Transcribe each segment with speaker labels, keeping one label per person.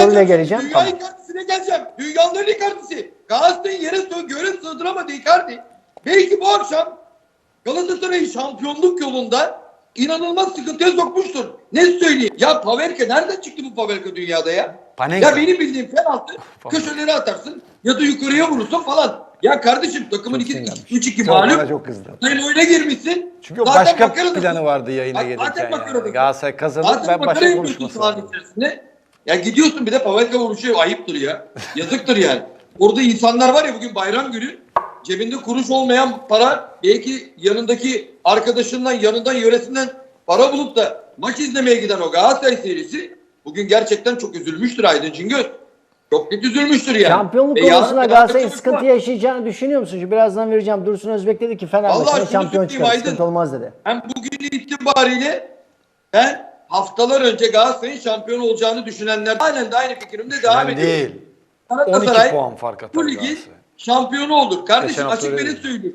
Speaker 1: golüne geleceğim.
Speaker 2: Dünya Icardi'sine geleceğim. Dünyanın Icardi'si. Galatasaray'ın göre sığdıramadı Icardi. Belki bu akşam Galatasaray'ı şampiyonluk yolunda inanılmaz sıkıntıya sokmuştur. Ne söyleyeyim? Ya Pavelka nereden çıktı bu Pavelka dünyada ya?
Speaker 3: Panenka.
Speaker 2: Ya benim bildiğim penaltı köşeleri atarsın ya da yukarıya vurursun falan. Ya kardeşim takımın 3-2 mağlup.
Speaker 3: Çok kızdı.
Speaker 2: Sen oyuna girmişsin.
Speaker 3: Çünkü
Speaker 2: zaten
Speaker 3: başka
Speaker 2: makaradasın.
Speaker 3: planı vardı yayına
Speaker 2: Zaten
Speaker 3: gelirken.
Speaker 2: makaradasın.
Speaker 3: Yani. Galatasaray kazanır,
Speaker 2: Zaten
Speaker 3: ben
Speaker 2: makara
Speaker 3: başka
Speaker 2: yapıyorsun
Speaker 3: konuşması
Speaker 2: sahanın
Speaker 3: lazım.
Speaker 2: içerisinde. Ya gidiyorsun bir de Pavelka vuruşuyor. Ayıptır ya. Yazıktır yani. Orada insanlar var ya, bugün bayram günü. Cebinde kuruş olmayan para, belki yanındaki arkadaşından, yanından, yöresinden para bulup da maç izlemeye giden o Galatasaray serisi bugün gerçekten çok üzülmüştür Aydın Cingöz. Çok net üzülmüştür yani.
Speaker 1: Şampiyonluk
Speaker 2: Ve
Speaker 1: konusunda
Speaker 2: yarın
Speaker 1: Galatasaray'ın
Speaker 2: Fenerbahçe
Speaker 1: sıkıntı
Speaker 2: var.
Speaker 1: yaşayacağını düşünüyor musun? Şu birazdan vereceğim. Dursun Özbek dedi ki Fenerbahçe'nin
Speaker 2: Vallahi şunu
Speaker 1: şampiyon
Speaker 2: söyleyeyim
Speaker 1: çıkar.
Speaker 2: Aydın.
Speaker 1: Sıkıntı olmaz dedi.
Speaker 2: Hem bugün itibariyle ben haftalar önce Galatasaray'ın şampiyon olacağını düşünenler halen de aynı fikrimde devam
Speaker 3: Ben
Speaker 2: ediyorum.
Speaker 3: değil.
Speaker 2: Galatasaray
Speaker 3: 12 puan fark atar
Speaker 2: bu ligin
Speaker 3: Galatasaray.
Speaker 2: şampiyonu olur. Kardeşim
Speaker 3: Geçen hafta
Speaker 2: açık
Speaker 3: öyle
Speaker 2: beni
Speaker 3: dedi.
Speaker 2: söyleyeyim.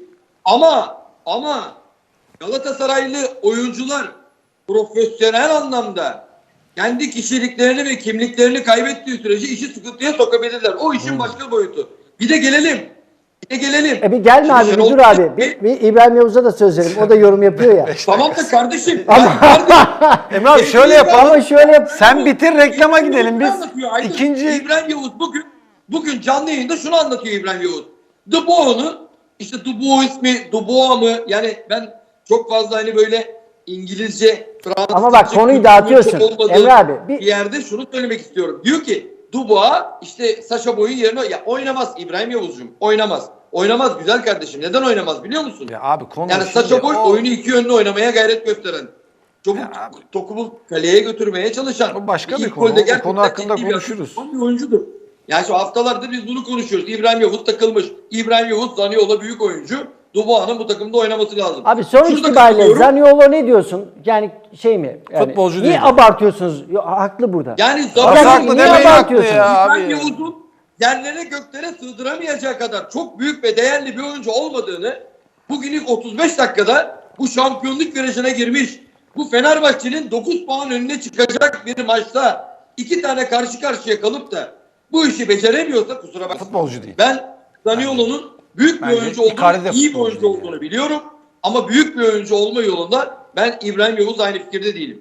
Speaker 2: Ama Galatasaraylı oyuncular profesyonel anlamda kendi kişiliklerini ve kimliklerini kaybettiği sürece işi sıkıntıya sokabilirler. O işin başka boyutu. Bir de gelelim. Bir
Speaker 1: gelme
Speaker 2: Şimdi
Speaker 1: abi, bir
Speaker 2: Şenol
Speaker 1: dur abi.
Speaker 2: Güneş-
Speaker 1: Bir İbrahim Yavuz'a da söz verelim. O da yorum yapıyor ya.
Speaker 2: Tamam da kardeşim.
Speaker 3: Emre abi şöyle yapalım.
Speaker 1: Ama şöyle yap.
Speaker 3: Sen bitir, reklama
Speaker 2: İbrahim
Speaker 3: gidelim
Speaker 2: Yavuz
Speaker 3: biz.
Speaker 2: ne anlatıyor Aydın?
Speaker 3: İkinci
Speaker 2: İbrahim Yavuz bugün canlı yayında şunu anlatıyor İbrahim Yavuz. Dubois'u, işte Dubois mi, Dubois mı? Yani ben çok fazla hani böyle İngilizce, Fransızca...
Speaker 1: Ama bak konuyu dağıtıyorsun. Emre abi.
Speaker 2: Bir yerde şunu söylemek istiyorum. Diyor ki Dubois işte Sacha Boey'in yerine... Ya oynamaz İbrahim Yavuz'cum. Oynamaz. Oynamaz güzel kardeşim. Neden oynamaz biliyor musun?
Speaker 3: ya abi konu
Speaker 2: Yani Sacha Boey oyunu iki yönlü oynamaya gayret gösteren. Çabuk topu kaleye götürmeye çalışan.
Speaker 3: O başka bir
Speaker 2: İlk
Speaker 3: konu.
Speaker 2: golde
Speaker 3: O
Speaker 2: gerçekten
Speaker 3: konu hakkında
Speaker 2: ciddi bir
Speaker 3: konuşuruz.
Speaker 2: asist yapan bir oyuncudur. Yani şu haftalardır biz bunu konuşuyoruz. İbrahim Yavuz takılmış. İbrahim Yavuz Zaniolo büyük oyuncu. Dubois'un bu takımda oynaması lazım.
Speaker 1: Abi sonuç
Speaker 2: Şurada
Speaker 1: itibariyle
Speaker 2: katılıyorum.
Speaker 1: Zaniolo ne diyorsun? Yani şey mi? Yani,
Speaker 3: Futbolcu
Speaker 1: niye
Speaker 3: değil.
Speaker 1: abartıyorsunuz? Haklı burada.
Speaker 2: Yani
Speaker 3: Nasıl
Speaker 2: Zaniolo
Speaker 3: haklı
Speaker 1: niye
Speaker 3: demeyin haklı
Speaker 1: abartıyorsunuz?
Speaker 3: ya
Speaker 2: İbrahim
Speaker 3: abi.
Speaker 2: Yavuz'un yerlere göklere sığdıramayacağı kadar çok büyük ve değerli bir oyuncu olmadığını bugün ilk 35 dakikada bu şampiyonluk virajına girmiş, bu Fenerbahçe'nin 9 puan önüne çıkacak bir maçta 2 tane karşı karşıya kalıp da bu işi beceremiyorsa kusura bakmayın.
Speaker 3: Futbolcu değil.
Speaker 2: Ben Zaniolo'nun büyük bir
Speaker 3: Bence
Speaker 2: oyuncu
Speaker 3: Icardi de
Speaker 2: olduğunu, iyi bir
Speaker 3: futbolcu
Speaker 2: oyuncu
Speaker 3: değil
Speaker 2: olduğunu biliyorum. Ama büyük bir oyuncu olma yolunda ben İbrahim Yavuz aynı fikirde değilim.